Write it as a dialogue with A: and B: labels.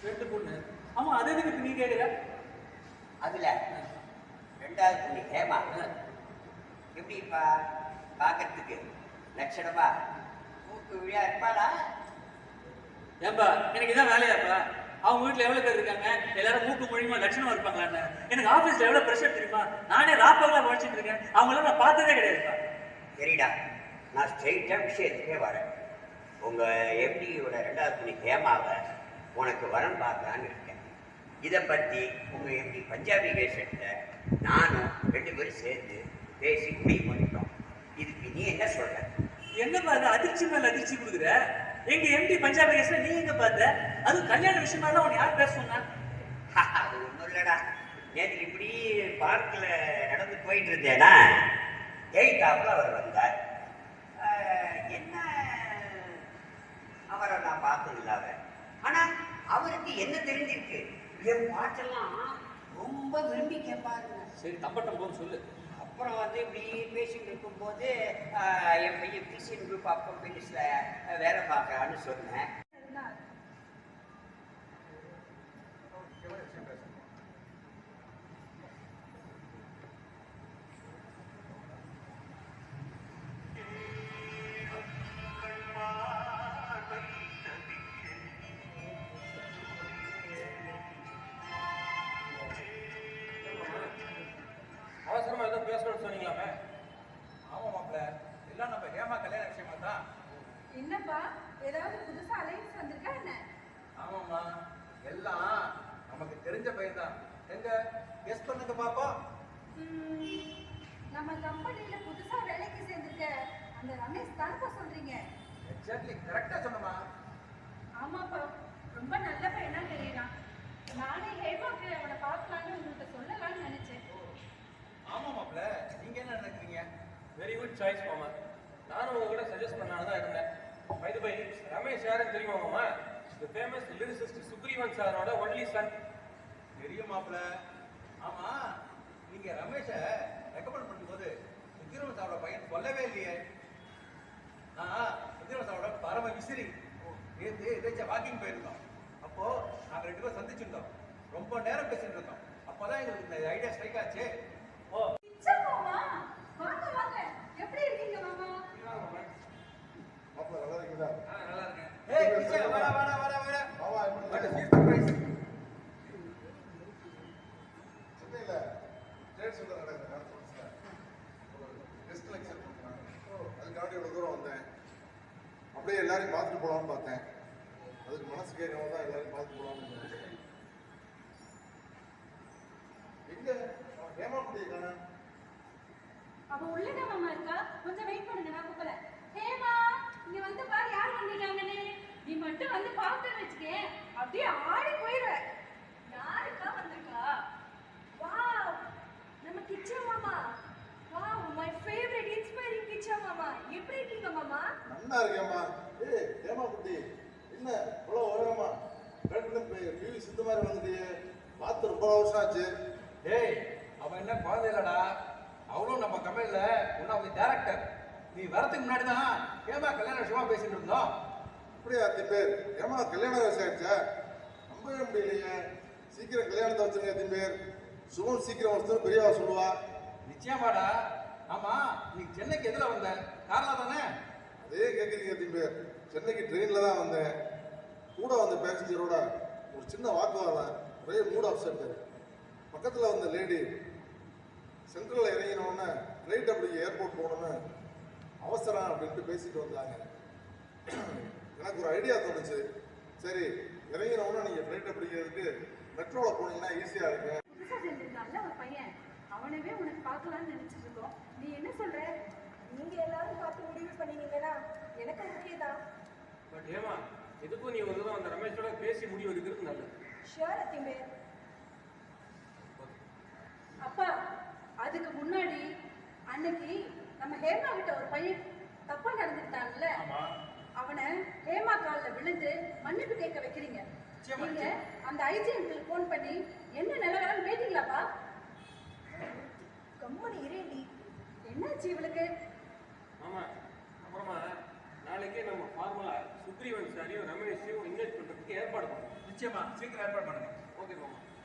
A: ரெண்டு பொண்ணு. ஆமா, அது எதுக்கு நீ கேட்குற?
B: அதுல ரெண்டாவது பொண்ணு ஹேமா எப்படிப்பா பார்க்கறதுக்கு லட்சணமா மூக்கு விழியா இருப்பாளா?
A: ஏன்பா எனக்கு இதான் வேலையாப்பா? அவங்க வீட்டில் எவ்வளோ பேர் இருக்காங்க, எல்லாரும் மூக்கு மொழியுமா லட்சணமா இருப்பாங்களான்னு. எனக்கு ஆஃபீஸில் எவ்வளோ ப்ரெஷர் தெரியுமா? நானே ராப்பெல்லாம் உழைச்சிட்டு இருக்கேன், அவங்களாம் நான் பார்த்ததே கிடையாதுப்பா.
B: சரிடா, நான் ஸ்ட்ரெயிட்டாக விஷயத்துக்கே வரேன். உங்கள் எம்டியோட ரெண்டாவது பொண்ணு ஹேமாவை உனக்கு வரன் பார்க்கலான்னு இருக்கேன். இதை பற்றி உங்கள் எம்டி பஞ்சாபி கேசட்டில் நானும் 2 பேரும் சேர்ந்து பேசி முடிவு பண்ணிட்டோம். இதுக்கு நீ என்ன சொல்ற?
A: என்னப்பா அது அதிர்ச்சி மேல அதிர்ச்சி கொடுக்குற? எங்க எம்டி பஞ்சாபி கேஸ்ல நீ எங்க பார்த்த? அது கல்யாண விஷயமா தான் உன்னை யார் பேச சொன்னா?
B: அது ஒன்றும் இல்லைடா, நேற்று இப்படி பார்க்கில் நடந்து போயிட்டு இருந்தேன்னா எயித்தாப்புல அவர் வந்தார். என்ன அவரை நான் பார்த்தது இல்லாத, ஆனால் அவருக்கு என்ன தெரிஞ்சிருக்கு, என் பாட்டெல்லாம் ரொம்ப விரும்பி கேட்பாருங்க.
A: சரி, தப்பட்டம் போன்னு சொல்லு.
B: அப்புறம் வந்து இப்படி பேசிட்டு இருக்கும்போது என் பையன் பிசிஎன் குரூப் ஆஃப் கம்பெனிஸில் வேலை பார்க்கறான்னு சொன்னேன்.
A: அவசரமா ஏதோ பேசணும்னு சொன்னீங்களாமே?
C: ஆமா மாப்பிள்ள, எல்லாம் நம்ம ஹேமா கல்யாண விஷயமா தான்.
D: என்னப்பா, ஏதாவது புதுசா அலைன்ஸ் வந்திருக்கா என்ன?
C: ஆமாம்மா, எல்லாம் நமக்கு தெரிஞ்ச பையன் தான். எங்க கெஸ் பண்ணுங்க பாப்போம்.
D: நம்ம கம்பெனில புதுசா வேலைக்கு சேர்ந்திருக்க அந்த ரமேஷ் தானப்பா சொல்றீங்க?
C: எக்ஸாக்ட்லி கரெக்டா சொன்னமா.
D: ஆமாப்பா, ரொம்ப நல்ல பையனா தெரியறான். நானே ஹேமாக்கு அவனை பார்க்கலான்னு உங்கள்கிட்ட சொல்லலாம்னு நினைச்சேன்.
C: ஆமா மாப்பிள்ள, நீங்க என்ன நினைக்கிறீங்க?
A: வெரி குட் சாய்ஸ் மாமா. நானும் உங்ககிட்ட சஜஸ்ட் பண்ணாலும் தான் இருந்தேன். பை தி பை, ரமேஷ் யாருன்னு தெரியுமா மாமா? தி ஃபேமஸ் லிரிசிஸ்ட் சுக்ரீவன் சாரோட ஒன்லி சன்.
C: தெரியும் மாப்பிள்ள. ஆமா, நீங்க ரமேஷ ரெக்கமெண்ட் பண்ணும்போது சுக்கிரவன் சாரோட பையன் சொல்லவே இல்லையே. சுக்கிரவன் சாரோட பரம விசிறி. நேற்று எதாச்சும் வாக்கிங் போயிருந்தோம். அப்போ நாங்க 2 பேரும் சந்திச்சிருந்தோம். ரொம்ப நேரம் பேசிட்டு இருந்தோம். அப்பதான் எங்களுக்கு இந்த ஐடியா ஸ்ட்ரைக் ஆச்சு.
A: ஓ,
D: மாமா, வாங்க வாங்க. எப்படி இருக்கீங்க மாமா?
E: மாப்பிள்ள நல்லா இருக்கீங்களா?
A: நல்லா இருக்கேன்.
C: ஏய் கிச்சா, வாடா வாடா வாடா வாடா.
E: மாமா எப்படி
C: வாட்
E: இருக்கீங்க?
C: Is surprise?
E: சென்னையில ட்ரேட் சென்டர் நடக்குது கான்ஃபரன்ஸ்ல. ஒரு கெஸ்ட் லெக்சர் கொடுக்குறாங்க. அதுக்காண்டி இவ்வளவு தூரம் வந்தேன். அப்படியே எல்லாரையும் பார்த்துட்டு போலாம்னு பார்த்தேன். அதுக்கு மனசு கேட்கணும் தான் எல்லாரையும் பார்த்துட்டு போலாம்னு நினைச்சேன். எங்க ஹேமா குட்டியை காணோம்?
D: அவ உள்ளதான் மாமா இருக்கா. கொஞ்சம் வெயிட் பண்ணுங்க, நான் கூப்பிடுறேன். ஹேமா, இங்க வந்து பாரு யார் வந்திருக்காங்கன்னு. நீ மட்டும் வந்து பார்த்தேன்னு வச்சுக்க, அப்படியே ஆடி போயிடுவ. யாருக்கா வந்திருக்கா? வாவ், நம்ம கிச்சா மாமா. Wow, my favourite inspiring Kicha மாமா. எப்படி இருக்கீங்க மாமா?
E: நல்லா இருக்கேம்மா. ஏய் ஹேமா குட்டி, என்ன இவ்வளோ வருவேம்மா? டிவி சித்த மாதிரி வந்துட்டியே, பார்த்து ரொம்ப வருஷம் ஆச்சு.
C: ஏய், அவன் என்ன குழந்தை இல்லடா. அவளும் நம்ம கம்பெனில ஒன் ஆஃப் தி டைரக்டர். நீ வரதுக்கு முன்னாடி தான் ஹேமா கல்யாண விஷயமா பேசிட்டு இருந்தோம்.
E: அப்படியே அத்தி பேர் ஏமா கல்யாணம் வயசு ஆயிடுச்சா? நம்பவே முடியலையே. சீக்கிரம் கல்யாணத்தை வச்சுருங்க அத்தி பேர். சுகம் சீக்கிரம் வச்சு பெரியவா சொல்லுவா.
C: நிச்சயமாடா. ஆமா, நீ சென்னைக்கு எதுல வந்த? கார்ல தானே?
E: அதே கேட்குறீங்க அத்தி பேர். சென்னைக்கு ட்ரெயினில் தான் வந்தேன். கூட வந்த பேசஞ்சரோட ஒரு சின்ன வாக்குவாதம், ஒரே மூட் அப்செட். பக்கத்தில் வந்த லேடி சென்ட்ரலில் இறங்கினோடனே ஃப்ளைட் அப்படி ஏர்போர்ட் போகணுன்னு அவசரம் அப்படின்ட்டு பேசிட்டு வந்தாங்க. எனக்கு ஒரு ஐடியா தோணுச்சு. சரி, இறங்கினோடனே நீங்கள் ஃப்ளைட்டை பிடிக்கிறதுக்கு மெட்ரோவில் போனீங்கன்னா ஈஸியாக இருக்கு.
D: புதுசா சேர்ந்திருக்கான்ல ஒரு பையன், அவனவே உனக்கு பார்க்கலாம்னு நினைச்சிட்டு இருக்கோம். நீ என்ன சொல்ற? நீங்க எல்லாரும் பார்த்து முடிவு பண்ணீங்கன்னா எனக்கு ஓகே தான்.
A: பட் ஏமா, எதுக்கும் நீ ஒரு தடவை அந்த ரமேஷோட பேசி முடிவு எடுக்கிறது நல்லது.
D: ஷியோர் அத்திமே. அப்பா, அதுக்கு முன்னாடி அன்னைக்கு நம்ம ஹேமா கிட்ட ஒரு பையன் தப்பா நடந்துட்டான்ல, அவனை ஹேமா காலில் விழுந்து மன்னிப்பு கேட்க வைக்கிறீங்க. நீங்க அந்த ஐஜி அங்கிள் போன் பண்ணி என்ன நிலவரம்னு கேட்டீங்களாப்பா? கம்மனி இரேண்டி, என்னாச்சு இவளுக்கு?
A: ஆமா, அப்புறமா நாளைக்கே நம்ம ஃபார்மலா
F: சுக்ரீவன் சாரையும் ரமேஷையும் இன்வைட் பண்றதுக்கு ஏற்பாடு பண்ணுவோம்.
C: நிச்சயமா சீக்கிரம் ஏற்பாடு பண்ணுங்க.
F: ஓகே மாமா.